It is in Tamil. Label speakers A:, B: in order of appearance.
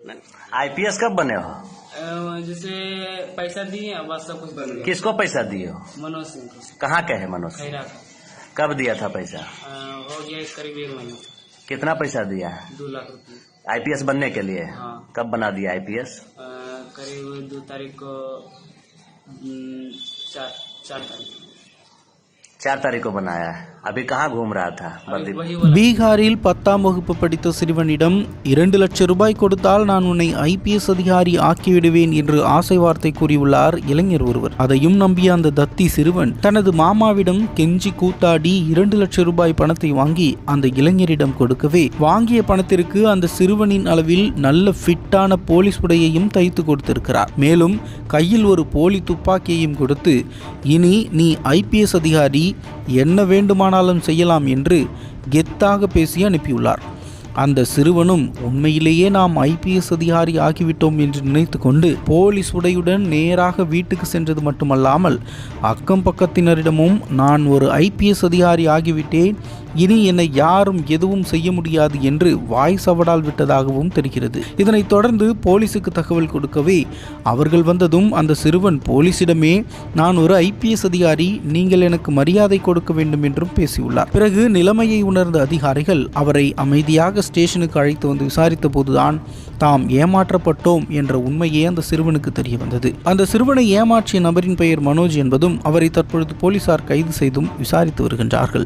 A: आईपीएस कब बने हो?
B: जैसे पैसा दिए बस सब कुछ बन गया।
A: किसको पैसा दिए हो?
B: मनोज सिंह को।
A: कहाँ के है मनोज?
B: खैरा
A: कब दिया था पैसा?
B: हो गया करीब 1 महीना।
A: कितना पैसा दिया है?
B: 2 लाख रुपये।
A: आईपीएस बनने के लिए?
B: हाँ।
A: कब बना दिया आईपीएस?
B: करीब 2 तारीख को 4 तारीख
A: 4 तारीख को बनाया है। अभी कहाँ घूम रहा था?
C: பீகாரில் 10ஆம் வகுப்பு படித்த சிறுவனிடம் 2 லட்சம் ரூபாய் கொடுத்தால் நான் உன்னை ஐபிஎஸ் அதிகாரி ஆக்கிவிடுவேன் என்று ஆசை வார்த்தை கூறியுள்ளார் இளைஞர் ஒருவர். அதையும் நம்பிய அந்த தத்தி சிறுவன் தனது மாமாவிடம் கெஞ்சி கூத்தாடி 2 லட்சம் ரூபாய் பணத்தை வாங்கி அந்த இளைஞரிடம் கொடுக்கவே வாங்கிய பணத்திற்கு அந்த சிறுவனின் அளவில் நல்ல ஃபிட்டான போலீஸ் உடையையும் தைத்து கொடுத்திருக்கிறார். மேலும் கையில் ஒரு போலி துப்பாக்கியையும் கொடுத்து இனி நீ ஐபிஎஸ் அதிகாரி என்ன வேண்டுமானாலும் செய்யலாம் என்று கெத்தாக பேசி அனுப்பியுள்ளார். அந்த சிறுவனும் உண்மையிலேயே நாம் ஐபிஎஸ் அதிகாரி ஆகிவிட்டோம் என்று நினைத்து கொண்டு போலீஸ் உடையுடன் நேராக வீட்டுக்கு சென்றது மட்டுமல்லாமல் அக்கம் பக்கத்தினரிடமும் நான் ஒரு ஐபிஎஸ் அதிகாரி ஆகிவிட்டேன், இனி என்னை யாரும் எதுவும் செய்ய முடியாது என்று வாய் சவடால் விட்டதாகவும் தெரிகிறது. இதனைத் தொடர்ந்து போலீசுக்கு தகவல் கொடுக்கவே அவர்கள் வந்ததும் அந்த சிறுவன் போலீசிடமே நான் ஒரு ஐபிஎஸ் அதிகாரி, நீங்கள் எனக்கு மரியாதை கொடுக்க வேண்டும் என்றும் பேசியுள்ளார். பிறகு நிலைமையை உணர்ந்த அதிகாரிகள் அவரை அமைதியாக ஸ்டேஷனுக்கு அழைத்து வந்து விசாரித்த போதுதான் தாம் ஏமாற்றப்பட்டோம் என்ற உண்மையே அந்த சிறுவனுக்கு தெரிய வந்தது. அந்த சிறுவனை ஏமாற்றிய நபரின் பெயர் மனோஜ் என்பதும் அவரை தற்பொழுது போலீசார் கைது செய்தும் விசாரித்து வருகின்றார்கள்.